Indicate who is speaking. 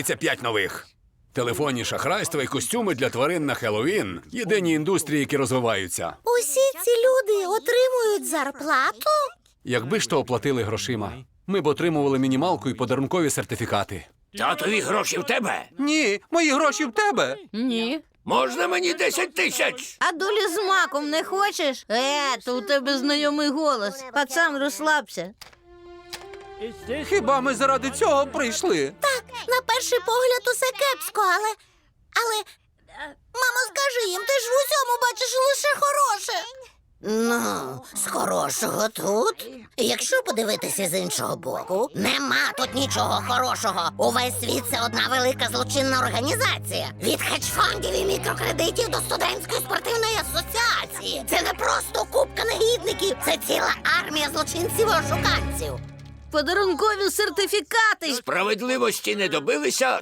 Speaker 1: Це 5 нових. Телефонні шахрайства і костюми для тварин на Хеллоуін – єдині індустрії, які розвиваються.
Speaker 2: Усі ці люди отримують зарплату?
Speaker 1: Якби ж то оплатили грошима, ми б отримували мінімалку і подарункові сертифікати.
Speaker 3: Татові гроші в тебе?
Speaker 1: Ні, мої гроші в тебе.
Speaker 4: Ні.
Speaker 3: Можна мені 10 тисяч?
Speaker 4: А долі з маком не хочеш? То у тебе знайомий голос. Пацан, розслабся.
Speaker 1: Хіба ми заради цього прийшли?
Speaker 2: Так, на перший погляд усе кепсько, але... Мамо, скажи їм, ти ж в усьому бачиш лише хороше. Ну, з хорошого тут. Якщо подивитися з іншого боку, нема тут нічого хорошого. Увесь світ – це одна велика злочинна організація. Від хедж-фондів і мікрокредитів до студентської спортивної асоціації. Це не просто купка негідників, це ціла армія злочинців і ошуканців.
Speaker 4: Подарункові сертифікати.
Speaker 3: Справедливості не добилися,